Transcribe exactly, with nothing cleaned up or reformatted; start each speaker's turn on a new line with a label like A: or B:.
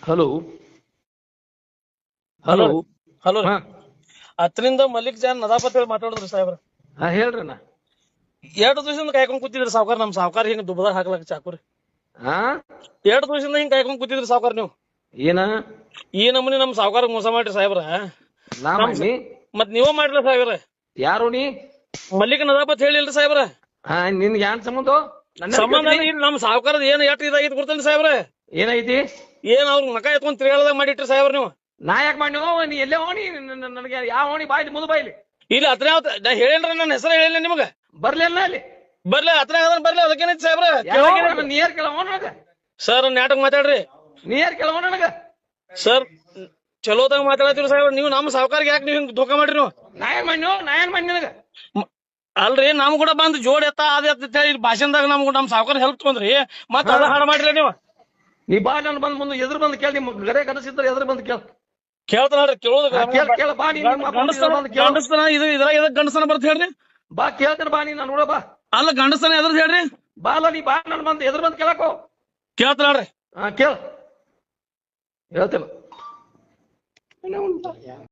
A: Hello
B: hello
A: hello
B: hello
A: ಹಾ
B: ಹತ್ತರಿಂದ Malik John ನದಾಪತ್ ಹೇಳಿ ಮಾತಾಡಿದ್ರಿ ಸಾಹೇಬ್ರ.
A: ಹಾ ಹೇಳ್ರಿ ಅಣ್ಣ.
B: ಎರಡು ದಿವಸದಿಂದ ಕಾಯ್ಕೊಂಡ್ ಕೂತಿದ್ರಿ ಸಾವ್ಕಾರ. ನಮ್ ಸಾವ್ಕಾರ ಹಿಂಗ್ ದುಬದಾರ್ ಹಾಕ್ಲಕ್ ಚಾಕುರಿ
A: ಹಾ
B: ಎರಡು ದಿವಸದಿಂದ ಹಿಂಗ್ ಕಾಯ್ಕೊಂಡ್ ಕೂತಿದ್ರಿ ಸಾವ್ಕಾರ ನೀವು.
A: ಏನ
B: ಈ ನಮೂನಿ ನಮ್ ಸಾವ್ಕಾರ ಮೋಸ ಮಾಡ್ರಿ ಸಾಹೇಬ್ರ.
A: ನಾ
B: ನಮ್
A: ಮಾಡಿ
B: ಮತ್ ನೀವ ಮಾಡ್ರಿ ಸಾಹೇಬ್ರ.
A: ಯಾರು ನೀ?
B: ಮಲ್ಲಿಕ್ ನದಾಪತ್ ಹೇಳಿಲ್ರಿ ಸಾಹೇಬ್ರ.
A: ಹಾ ನಿನ್ಗೆ ಏನ್ ಸಂಬಂಧ? ನನ್ನ
B: ಸಂಬಂಧ
A: ಕೇಳ್ತೀನಿ.
B: ಇಲ್ಲ. ನಮ್ ಸಾವ್ಕಾರದ ಏನ್ ಎಟ್ ಇದಾಗಿದ್ ಗೊತ್ತೇನ್ರಿ ಸಾಹೇಬ್ರ?
A: ಏನೈತಿ?
B: ಏನ್ ಅವ್ರ ಮಕ ಎತ್ಕೊಂಡ್ ತಿರ್ಗಾಳದಾಗ ಮಾಡಿಟ್ರಿ ಸಾಹೇಬ್ರ ನೀವು.
A: ನಾ ಯಾಕೆ ಮಾಡಿ ನೀ ಎಲ್ಲೇ ಹೋಣಿ? ನನಗೆ ಯಾವ ಹೋಣಿ ಬಾಯ್ಲಿ ಮುದು ಬಾಯ್ಲಿ
B: ಇಲ್ಲಿ ಹತ್ರ ನಾ ಹೇಳೇನ್ರ ನನ್ನ ಹೆಸರು ಹೇಳಿಲ್ಲ ನಿಮಗ.
A: ಬರ್ಲಿಲ್ಲ ಅಲ್ಲಿ
B: ಬರ್ಲಿ ಹತ್ರ ಬರ್ಲಿ ಅದಕ್ಕೇನೈತಿ ಸಾಹೇಬ್ರ?
A: ನೀರ್ ಕೇಳವ ನನಗ.
B: ಸರ್ ನಾಟಕ ಮಾತಾಡ್ರಿ.
A: ನೀರ್ ಕೇಳವ ನನಗ.
B: ಸರ್ ಚಲೋದಾಗ ಮಾತಾಡತ್ತೀರಿ ಸಾಹೇಬ್ರ. ನೀವು ನಮ್ಮ ಸಾವ್ಕಾರ್ಗೆ ಯಾಕೆ ನೀವು ಹಿಂಗ್ ಧೋಕಾ ಮಾಡ್ರಿ ನೀವು?
A: ನಾ ಏನ್ ಮಾಡಿ ನಾ ಏನ್ ಮಾಡಿ ನಿನಗ?
B: ಅಲ್ರಿ ನಮ್ ಕೂಡ ಬಂದ್ ಜೋಡ್ ಎತ್ತ ಅದ ಎತ್ತ ಹೇಳಿ ಭಾಷಣದಾಗ ನಮ್ ನಮ್ ಸಾವ್ಕಾರ ಹೆಲ್ಪ್ ತಗೊಂಡ್ರಿ ಮತ್ತ ಅದ ಹಾಡ ಮಾಡ್ರಿ ನೀವು.
A: ನೀ ಬಾ ನಾನು ಬಂದ್ ಮುಂದೆ ಎದುರು ಬಂದು ಕೇಳಿ. ನಿಮ್ ಗಡೆ ಕನಸಿದ್ರೆ ಎದುರು ಬಂದು ಕೇಳ.
B: ಕೇಳ್ತಾನ ಹೇಳ್ರಿ. ಕೇಳೋದು
A: ಕೇಳ ಕೇಳ ಬಾ ನೀ ನಿಮ್ಮ ಅಪ್ಪ ಎದುರು ಬಂದು ಕೇಳು.
B: ಗಂಡಸ್ತನ ಇದು ಇದ್ರಾಗ ಎದಕ್ ಗಂಡಸ್ತನ ಬರ್ತ ಹೇಳ್ರಿ.
A: ಬಾ ಕೇಳ್ತೇನೆ ಬಾ ನೀ ನಾನು ನೋಡ ಬಾ.
B: ಅಲ್ಲ ಗಂಡಸ್ತನ ಎದ್ರದ್ ಹೇಳ್ರಿ.
A: ಬಾ ಅಲ್ಲ ನೀ ಬಾ ನಾನು ಬಂದು ಎದುರು ಬಂದು ಕೇಳಕೋ.
B: ಕೇಳ್ತಾನ ಹೇಳ್ರಿ.
A: ಹಾ ಕೇಳ ಹೇಳ್ತೇನೆ.